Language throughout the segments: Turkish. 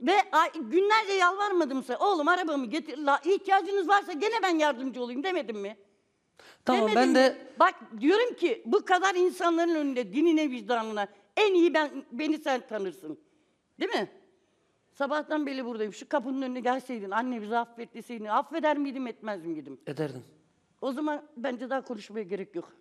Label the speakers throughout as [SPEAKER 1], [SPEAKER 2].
[SPEAKER 1] Ve günlerce yalvarmadım size. Oğlum arabamı getir. İhtiyacınız varsa gene ben yardımcı olayım demedim mi?
[SPEAKER 2] Tamam
[SPEAKER 1] Demedim
[SPEAKER 2] ben
[SPEAKER 1] mi?
[SPEAKER 2] de
[SPEAKER 1] Bak diyorum ki bu kadar insanların önünde dinine vicdanına en iyi beni sen tanırsın. Değil mi? Sabahtan beri buradayım. Şu kapının önüne gelseydin, anne bizi affet deseydin, affeder miydim etmez miydim?
[SPEAKER 2] ederdim.
[SPEAKER 1] O zaman bence daha konuşmaya gerek yok.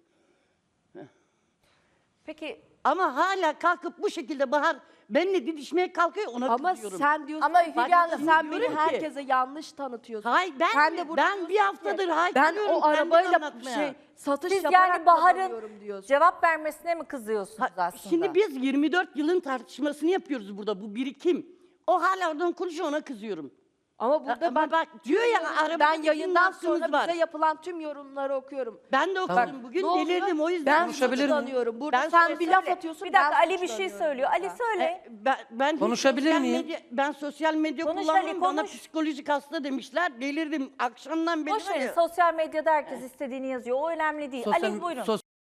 [SPEAKER 3] Peki
[SPEAKER 1] Ama hala kalkıp bu şekilde Bahar benimle didişmeye kalkıyor, ona
[SPEAKER 4] Ama
[SPEAKER 1] kızıyorum.
[SPEAKER 4] sen diyorsun
[SPEAKER 3] Ama
[SPEAKER 4] ki,
[SPEAKER 3] Hülya Hanım,
[SPEAKER 4] sen
[SPEAKER 1] diyorum
[SPEAKER 4] beni
[SPEAKER 1] ki-
[SPEAKER 4] herkese yanlış tanıtıyorsun.
[SPEAKER 1] Hayır
[SPEAKER 4] Sen de burada
[SPEAKER 1] ben bir
[SPEAKER 4] diyorsun ki,
[SPEAKER 1] haftadır
[SPEAKER 4] ben
[SPEAKER 1] haykırıyorum
[SPEAKER 4] o
[SPEAKER 1] kendimi
[SPEAKER 4] arabayla
[SPEAKER 1] anlatmaya.
[SPEAKER 4] satış
[SPEAKER 3] siz
[SPEAKER 4] yaparak
[SPEAKER 3] yani Bahar'ın
[SPEAKER 4] kazanıyorum diyorsun.
[SPEAKER 3] cevap vermesine mi kızıyorsunuz aslında?
[SPEAKER 1] Şimdi biz 24 yılın tartışmasını yapıyoruz burada, bu birikim. O hala oradan konuşuyor, ona kızıyorum.
[SPEAKER 4] Ama burada
[SPEAKER 1] Ama bak diyor ya arabada
[SPEAKER 4] ben
[SPEAKER 1] bizim
[SPEAKER 4] yayından
[SPEAKER 1] hakkımız
[SPEAKER 4] sonra
[SPEAKER 1] var.
[SPEAKER 4] bize yapılan tüm yorumları okuyorum.
[SPEAKER 1] Ben de okudum
[SPEAKER 2] Tamam.
[SPEAKER 1] bugün,
[SPEAKER 4] Ne oluyor?
[SPEAKER 1] delirdim o yüzden.
[SPEAKER 4] Ben
[SPEAKER 2] Konuşabilir miyim?
[SPEAKER 4] suçlanıyorum. Burada
[SPEAKER 1] Ben
[SPEAKER 4] sen bir laf
[SPEAKER 3] Söyle.
[SPEAKER 4] atıyorsun.
[SPEAKER 3] Bir dakika,
[SPEAKER 4] ben
[SPEAKER 3] Ali bir şey
[SPEAKER 4] suçlanıyorum
[SPEAKER 3] söylüyor. Ali
[SPEAKER 4] burada.
[SPEAKER 3] söyle.
[SPEAKER 1] Ben
[SPEAKER 2] Konuşabilir
[SPEAKER 1] sosyal
[SPEAKER 2] miyim?
[SPEAKER 1] Ben sosyal medya
[SPEAKER 3] Konuş
[SPEAKER 1] kullanmam,
[SPEAKER 3] Ali,
[SPEAKER 1] bana
[SPEAKER 3] konuş.
[SPEAKER 1] psikolojik hasta demişler. Delirdim. Akşamdan beri
[SPEAKER 3] Boş
[SPEAKER 1] var
[SPEAKER 3] verin,
[SPEAKER 1] ya.
[SPEAKER 3] sosyal medyada herkes istediğini yazıyor. O önemli değil. Ali buyurun.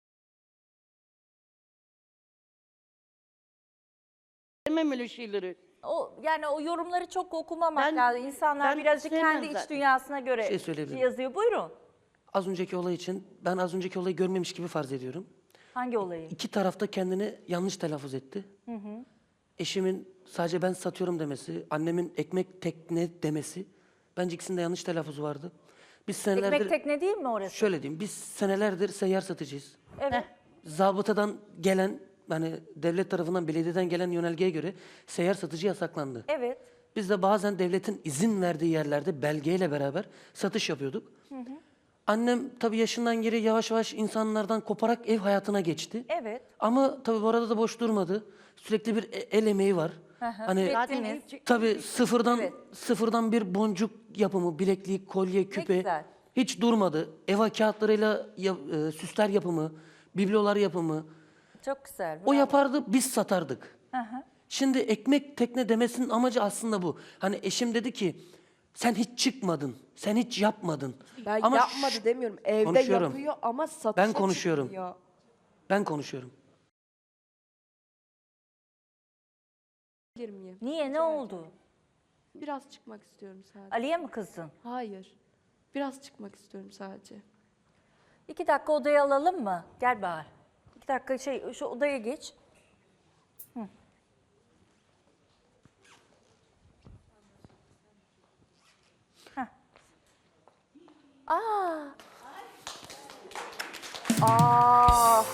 [SPEAKER 1] Sevmem öyle şeyleri.
[SPEAKER 3] Yani o yorumları çok okumamak
[SPEAKER 1] Ben-
[SPEAKER 3] lazım. İnsanlar
[SPEAKER 1] ben
[SPEAKER 3] birazcık kendi
[SPEAKER 1] sevmem
[SPEAKER 3] iç
[SPEAKER 1] zaten.
[SPEAKER 3] dünyasına göre
[SPEAKER 2] Şey söyleyebilirim.
[SPEAKER 3] yazıyor. Buyurun.
[SPEAKER 2] Az önceki olay için ben az önceki olayı görmemiş gibi farz ediyorum.
[SPEAKER 3] Hangi olayı?
[SPEAKER 2] İki tarafta kendini yanlış telaffuz etti. Eşimin sadece ben satıyorum demesi, annemin ekmek tekne demesi. Bence ikisinde yanlış telaffuzu vardı. Biz senelerdir,
[SPEAKER 3] Ekmek tekne değil mi orası?
[SPEAKER 2] şöyle diyeyim, biz senelerdir seyyar satıcıyız.
[SPEAKER 3] Evet.
[SPEAKER 2] Zabıtadan gelen, hani devlet tarafından, belediyeden gelen yönergeye göre seyyar satıcı yasaklandı.
[SPEAKER 3] Evet.
[SPEAKER 2] Biz de bazen devletin izin verdiği yerlerde belgeyle beraber satış yapıyorduk. Annem tabii yaşından geri yavaş yavaş insanlardan koparak ev hayatına geçti.
[SPEAKER 3] Evet.
[SPEAKER 2] Ama tabii bu arada da boş durmadı. Sürekli bir el emeği var. Hani
[SPEAKER 1] Zaten
[SPEAKER 3] Ettiniz.
[SPEAKER 2] tabii sıfırdan
[SPEAKER 3] Evet.
[SPEAKER 2] sıfırdan bir boncuk yapımı, bileklik, kolye, küpe
[SPEAKER 3] güzel.
[SPEAKER 2] hiç durmadı. Eva kağıtlarıyla süsler yapımı, biblolar yapımı.
[SPEAKER 3] Çok güzel.
[SPEAKER 2] O
[SPEAKER 3] bravo.
[SPEAKER 2] yapardı, biz satardık. Şimdi ekmek tekne demesinin amacı aslında bu. Hani eşim dedi ki, sen hiç çıkmadın, sen hiç yapmadın.
[SPEAKER 4] Ben
[SPEAKER 2] Ama
[SPEAKER 4] yapmadı demiyorum. Evde
[SPEAKER 2] konuşuyorum.
[SPEAKER 4] yapıyor ama satışa
[SPEAKER 2] Ben konuşuyorum.
[SPEAKER 4] çıkmıyor.
[SPEAKER 2] Ben konuşuyorum.
[SPEAKER 4] Bilir miyim?
[SPEAKER 3] Niye? Ne oldu?
[SPEAKER 4] Biraz çıkmak istiyorum sadece.
[SPEAKER 3] Ali'ye mi kızdın?
[SPEAKER 4] Hayır. Biraz çıkmak istiyorum sadece.
[SPEAKER 3] 2 dakika odaya alalım mı? Gel Bahar. 2 dakika şu odaya geç. Hı. Heh. Aa. Aa.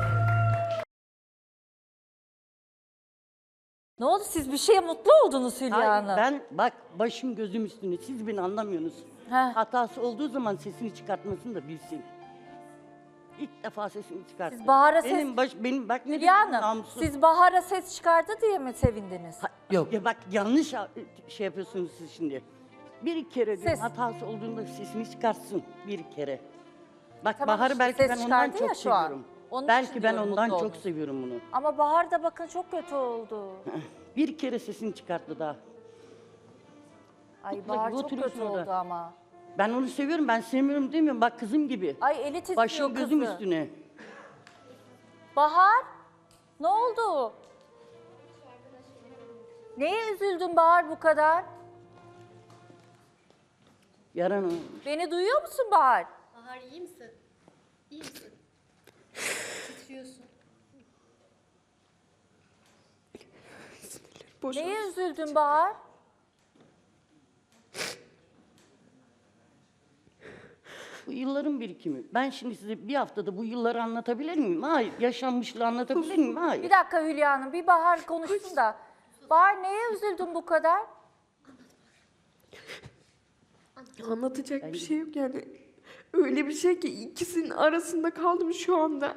[SPEAKER 3] Ne oldu? Siz bir şeye mutlu oldunuz Hülya
[SPEAKER 1] Hayır,
[SPEAKER 3] Hanım.
[SPEAKER 1] ben bak başım gözüm üstüne, siz beni anlamıyorsunuz.
[SPEAKER 3] Heh.
[SPEAKER 1] Hatası olduğu zaman sesini çıkartmasını da bilsin. İlk defa sesini çıkarttı.
[SPEAKER 3] Siz Bahar'a
[SPEAKER 1] benim bak ne
[SPEAKER 3] Hülya
[SPEAKER 1] dedim,
[SPEAKER 3] Hanım,
[SPEAKER 1] namussuz.
[SPEAKER 3] siz Bahar'a ses çıkardı diye mi sevindiniz?
[SPEAKER 2] Yok.
[SPEAKER 1] Ya bak yanlış şey yapıyorsunuz siz şimdi. Bir kere diyorum,
[SPEAKER 3] Ses.
[SPEAKER 1] hatası olduğunda sesini çıkartsın bir kere. Bak
[SPEAKER 3] Tamam,
[SPEAKER 1] Bahar'ı
[SPEAKER 3] işte
[SPEAKER 1] belki
[SPEAKER 3] ses
[SPEAKER 1] ben ondan
[SPEAKER 3] çıkardı ya
[SPEAKER 1] çok
[SPEAKER 3] şu an.
[SPEAKER 1] seviyorum.
[SPEAKER 3] Onun için
[SPEAKER 1] Belki ben
[SPEAKER 3] diyorum,
[SPEAKER 1] ondan
[SPEAKER 3] mutlu
[SPEAKER 1] çok
[SPEAKER 3] oldunuz.
[SPEAKER 1] seviyorum bunu.
[SPEAKER 3] Ama Bahar da bakın çok kötü oldu.
[SPEAKER 1] Bir kere sesini çıkarttı daha.
[SPEAKER 3] Ay
[SPEAKER 1] Mutlaka
[SPEAKER 3] Bahar çok
[SPEAKER 1] oturuyorsun
[SPEAKER 3] kötü
[SPEAKER 1] orada.
[SPEAKER 3] oldu ama.
[SPEAKER 1] Ben onu seviyorum, ben sevmiyorum demiyorum. Bak kızım gibi.
[SPEAKER 3] Ay eli titriyor
[SPEAKER 1] Başım gözüm
[SPEAKER 3] kızı.
[SPEAKER 1] üstüne.
[SPEAKER 3] Bahar, ne oldu? Neye üzüldün Bahar bu kadar?
[SPEAKER 1] Yaran o.
[SPEAKER 3] Beni duyuyor musun Bahar?
[SPEAKER 5] Bahar iyi misin? İyi misin? Titriyorsun.
[SPEAKER 3] Neye üzüldün Bahar?
[SPEAKER 1] Bu yılların birikimi. Ben şimdi size bir haftada bu yılları anlatabilir miyim? Hayır. Yaşanmışlığı anlatabilir miyim? Hayır.
[SPEAKER 3] Bir dakika Hülya Hanım, bir Bahar konuşsun da. Bahar neye üzüldün bu kadar?
[SPEAKER 6] Anlatacak bir şey yok yani. Öyle bir şey ki ikisinin arasında kaldım şu anda.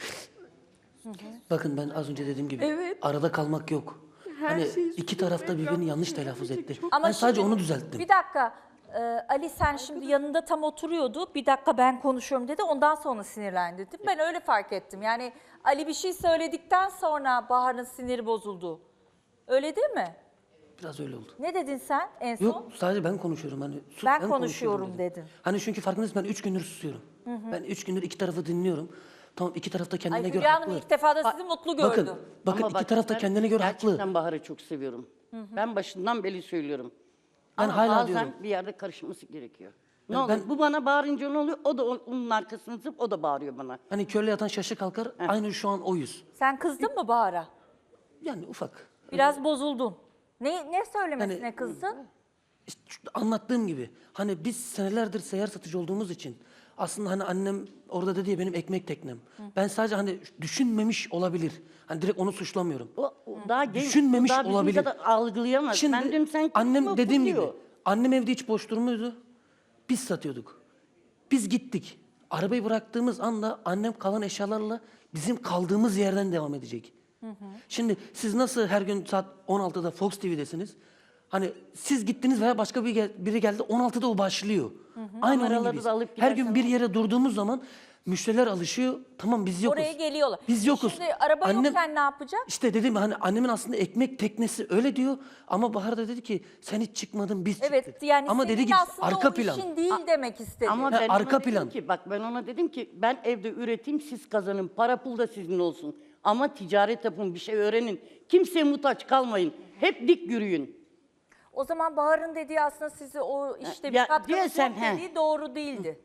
[SPEAKER 2] Bakın ben az önce dediğim gibi
[SPEAKER 6] Evet.
[SPEAKER 2] arada kalmak yok.
[SPEAKER 6] Her
[SPEAKER 2] Hani
[SPEAKER 6] şeyi
[SPEAKER 2] iki
[SPEAKER 6] suçlamak
[SPEAKER 2] tarafta birbirini yanlış telaffuz etti.
[SPEAKER 3] Ama
[SPEAKER 2] Ben sadece
[SPEAKER 3] şimdi-
[SPEAKER 2] onu düzelttim.
[SPEAKER 3] Bir dakika. Ali sen şimdi yanında tam oturuyordu. Bir dakika ben konuşuyorum dedi. Ondan sonra sinirlendi değil mi? Ben öyle fark ettim. Yani Ali bir şey söyledikten sonra Bahar'ın siniri bozuldu. Öyle değil mi?
[SPEAKER 2] Biraz öyle oldu.
[SPEAKER 3] Ne dedin sen en son?
[SPEAKER 2] Yok sadece ben konuşuyorum. Hani
[SPEAKER 3] Ben
[SPEAKER 2] konuşuyorum
[SPEAKER 3] konuşuyorum
[SPEAKER 2] dedim.
[SPEAKER 3] dedin.
[SPEAKER 2] Hani çünkü farkındayız ben 3 gündür susuyorum. Ben 3 gündür iki tarafı dinliyorum. Tamam iki taraf da kendine
[SPEAKER 3] Ay
[SPEAKER 2] göre
[SPEAKER 3] Hülya Hanım
[SPEAKER 2] haklı.
[SPEAKER 3] ilk defa da sizi mutlu gördü.
[SPEAKER 2] Bakın
[SPEAKER 1] Ama
[SPEAKER 2] iki
[SPEAKER 1] bak,
[SPEAKER 2] taraf da
[SPEAKER 1] ben
[SPEAKER 2] kendine göre
[SPEAKER 1] gerçekten
[SPEAKER 2] haklı.
[SPEAKER 1] Bahar'ı çok seviyorum. Ben başından beri söylüyorum.
[SPEAKER 2] Ben
[SPEAKER 1] Ama
[SPEAKER 2] hala
[SPEAKER 1] bazen
[SPEAKER 2] diyorum.
[SPEAKER 1] bir yerde karışması gerekiyor. Ne
[SPEAKER 2] Ben-
[SPEAKER 1] olur? Bu bana bağırınca ne oluyor? O da onun arkasını zıp, o da bağırıyor bana.
[SPEAKER 2] Hani körle yatan şaşı kalkar. Aynı şu an oyuz.
[SPEAKER 3] Sen kızdın mı Bahar'a?
[SPEAKER 2] Yani ufak.
[SPEAKER 3] Biraz bozuldun. Ne söylemesine
[SPEAKER 2] Yani-
[SPEAKER 3] kızdın?
[SPEAKER 2] İşte anlattığım gibi hani biz senelerdir seyyar satıcı olduğumuz için aslında hani annem orada dedi ya benim ekmek teknem. Ben sadece hani düşünmemiş olabilir. Hani direkt onu suçlamıyorum.
[SPEAKER 1] O daha genç,
[SPEAKER 2] Düşünmemiş
[SPEAKER 1] daha bizim
[SPEAKER 2] olabilir.
[SPEAKER 1] kadar algılayamaz.
[SPEAKER 2] Şimdi
[SPEAKER 1] Ben diyorum sen
[SPEAKER 2] annem
[SPEAKER 1] kızma,
[SPEAKER 2] dediğim gibi
[SPEAKER 1] buluyor.
[SPEAKER 2] annem evde hiç boş durmuyordu. Biz satıyorduk. Biz gittik. Arabayı bıraktığımız anda annem kalan eşyalarla bizim kaldığımız yerden devam edecek. Şimdi siz nasıl her gün saat 16'da Fox TV'desiniz? Hani siz gittiniz veya başka biri geldi 16'da o başlıyor. Aynı onun
[SPEAKER 1] Kameraları
[SPEAKER 2] gibiyiz.
[SPEAKER 1] da alıp
[SPEAKER 2] Her gün
[SPEAKER 1] gidersen
[SPEAKER 2] bir yere durduğumuz zaman müşteriler alışıyor. Tamam biz yokuz.
[SPEAKER 3] Oraya geliyorlar.
[SPEAKER 2] Biz yokuz.
[SPEAKER 3] Şimdi araba yokken ne yapacak?
[SPEAKER 2] İşte dedim hani annemin aslında ekmek teknesi öyle diyor ama Bahar da dedi ki sen hiç çıkmadın biz
[SPEAKER 3] Evet
[SPEAKER 2] çıktık.
[SPEAKER 3] yani
[SPEAKER 2] ama
[SPEAKER 3] senin
[SPEAKER 2] dedi ki
[SPEAKER 3] aslında
[SPEAKER 2] arka
[SPEAKER 3] o
[SPEAKER 2] plan.
[SPEAKER 3] işin değil demek istedi.
[SPEAKER 1] Ama
[SPEAKER 2] Ha,
[SPEAKER 1] ben
[SPEAKER 2] arka
[SPEAKER 1] ona dedim
[SPEAKER 2] plan.
[SPEAKER 1] ki bak ben ona dedim ki ben evde üreteyim siz kazanın. Para pul da sizin olsun. Ama ticaret yapın bir şey öğrenin. Kimseye muhtaç kalmayın. Hep dik yürüyün.
[SPEAKER 3] O zaman Bahar'ın dediği aslında sizi o işte bir
[SPEAKER 1] Ya,
[SPEAKER 3] katkınız
[SPEAKER 1] diyor sen,
[SPEAKER 3] yok
[SPEAKER 1] he.
[SPEAKER 3] dediği doğru değildi.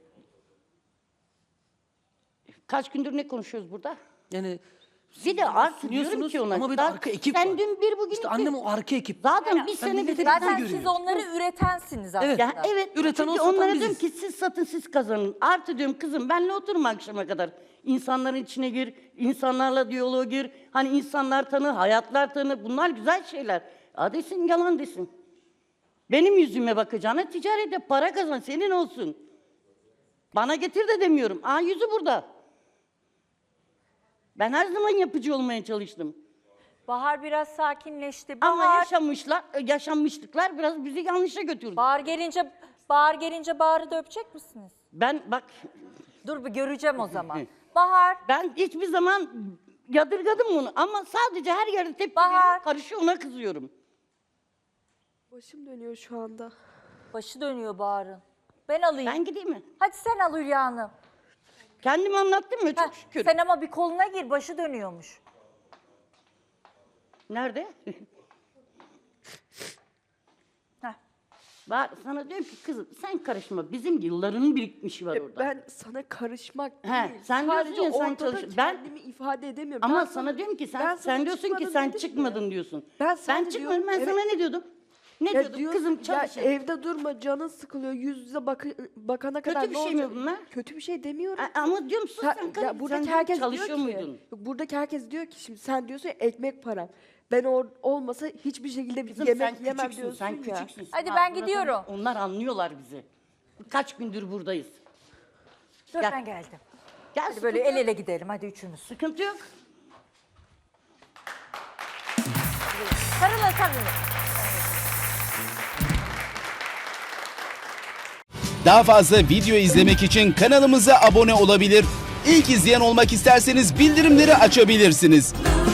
[SPEAKER 1] Kaç gündür ne konuşuyoruz burada?
[SPEAKER 2] Yani
[SPEAKER 1] Bir de artık diyorum
[SPEAKER 2] sunuyorsunuz
[SPEAKER 1] ki ona.
[SPEAKER 2] ama bir de
[SPEAKER 1] daha
[SPEAKER 2] arka ekip
[SPEAKER 1] sen
[SPEAKER 2] var.
[SPEAKER 1] dün bir bugün
[SPEAKER 2] İşte
[SPEAKER 1] iki.
[SPEAKER 2] annem o arka ekip.
[SPEAKER 1] Zaten bir sene
[SPEAKER 2] milleti
[SPEAKER 1] bir
[SPEAKER 3] Zaten
[SPEAKER 2] görüyor.
[SPEAKER 3] siz onları üretensiniz aslında.
[SPEAKER 2] Evet.
[SPEAKER 1] Ya evet.
[SPEAKER 2] Üreten
[SPEAKER 1] Çünkü
[SPEAKER 2] o, satan
[SPEAKER 1] onlara
[SPEAKER 2] biziz.
[SPEAKER 1] diyorum ki siz satın siz kazanın. Artı diyorum kızım benle oturma akşama kadar. İnsanların içine gir, insanlarla diyaloğa gir. Hani insanlar tanı, hayatlar tanı. Bunlar güzel şeyler. Ya desin yalan desin. Benim yüzüme bakacağına ticarete para kazan senin olsun. Bana getir de demiyorum. Aa yüzü burada. Ben her zaman yapıcı olmaya çalıştım.
[SPEAKER 3] Bahar biraz sakinleşti.
[SPEAKER 1] Ama
[SPEAKER 3] Bahar,
[SPEAKER 1] yaşanmışlıklar biraz bizi yanlışa götürdü.
[SPEAKER 3] Bahar gelince Bahar'ı da öpecek misiniz?
[SPEAKER 1] Ben bak
[SPEAKER 3] Dur bir göreceğim o zaman. Bahar,
[SPEAKER 1] ben hiçbir zaman yadırgadım onu ama sadece her yerde tepki
[SPEAKER 3] Bahar.
[SPEAKER 1] veriyor, karışıyor ona kızıyorum.
[SPEAKER 6] Başım dönüyor şu anda.
[SPEAKER 3] başı dönüyor Bahar'ın. Ben alayım.
[SPEAKER 1] Ben gideyim mi?
[SPEAKER 3] Hadi sen al Hülya Hanım.
[SPEAKER 1] Kendimi anlattım mı?
[SPEAKER 3] Heh,
[SPEAKER 1] Çok şükür.
[SPEAKER 3] sen ama bir koluna gir, başı dönüyormuş.
[SPEAKER 1] Nerede?
[SPEAKER 3] Heh.
[SPEAKER 1] Sana diyorum ki kızım sen karışma. Bizim yılların birikmişi var orada.
[SPEAKER 6] Ben sana karışmak
[SPEAKER 1] He,
[SPEAKER 6] değil.
[SPEAKER 1] sen diyorsun
[SPEAKER 6] Sadece
[SPEAKER 1] ya, sen
[SPEAKER 6] ortada
[SPEAKER 1] çalış- ben-
[SPEAKER 6] kendimi ifade edemiyorum.
[SPEAKER 1] Ama
[SPEAKER 6] Ben
[SPEAKER 1] sana diyorum ki
[SPEAKER 6] ben
[SPEAKER 1] sen
[SPEAKER 6] sana
[SPEAKER 1] diyorsun ki
[SPEAKER 6] çıkmadım
[SPEAKER 1] sen
[SPEAKER 6] dedim
[SPEAKER 1] çıkmadın
[SPEAKER 6] ya.
[SPEAKER 1] diyorsun.
[SPEAKER 6] Ben sana
[SPEAKER 1] çıkmadım.
[SPEAKER 6] diyorum,
[SPEAKER 1] Ben
[SPEAKER 6] evet.
[SPEAKER 1] sana ne diyordum? Ne
[SPEAKER 6] Ya
[SPEAKER 1] diyordum?
[SPEAKER 6] diyorsun,
[SPEAKER 1] Kızım
[SPEAKER 6] ya
[SPEAKER 1] çalışın.
[SPEAKER 6] evde durma, canın sıkılıyor, yüz yüze bakana kadar
[SPEAKER 1] Kötü bir
[SPEAKER 6] ne
[SPEAKER 1] şey mi
[SPEAKER 6] olacak?
[SPEAKER 1] bunlar?
[SPEAKER 6] Kötü bir şey demiyorum.
[SPEAKER 1] Ama diyorum sus sen karış.
[SPEAKER 6] Ya buradaki
[SPEAKER 1] Sen
[SPEAKER 6] herkes
[SPEAKER 1] çalışıyor
[SPEAKER 6] diyor ki,
[SPEAKER 1] muydun?
[SPEAKER 6] buradaki herkes diyor ki şimdi sen diyorsun ya, ekmek param. Ben olmasa hiçbir şekilde bir
[SPEAKER 1] Kızım
[SPEAKER 6] yemek
[SPEAKER 1] sen
[SPEAKER 6] yemem
[SPEAKER 1] küçüksün,
[SPEAKER 6] diyorsun
[SPEAKER 1] sen
[SPEAKER 6] ya.
[SPEAKER 1] küçüksün.
[SPEAKER 3] Hadi
[SPEAKER 1] Sen
[SPEAKER 3] ben
[SPEAKER 1] anladın
[SPEAKER 3] gidiyorum.
[SPEAKER 1] mı? Onlar anlıyorlar bizi. Kaç gündür buradayız.
[SPEAKER 3] Dur
[SPEAKER 1] Gel.
[SPEAKER 3] ben geldim.
[SPEAKER 1] Gel
[SPEAKER 3] Hadi böyle
[SPEAKER 1] sıkıntı
[SPEAKER 3] el
[SPEAKER 1] yok.
[SPEAKER 3] ele gidelim hadi üçümüz.
[SPEAKER 1] Sıkıntı yok.
[SPEAKER 3] Sarılın sarılın.
[SPEAKER 7] Daha fazla video izlemek için kanalımıza abone olabilir. İlk izleyen olmak isterseniz bildirimleri açabilirsiniz.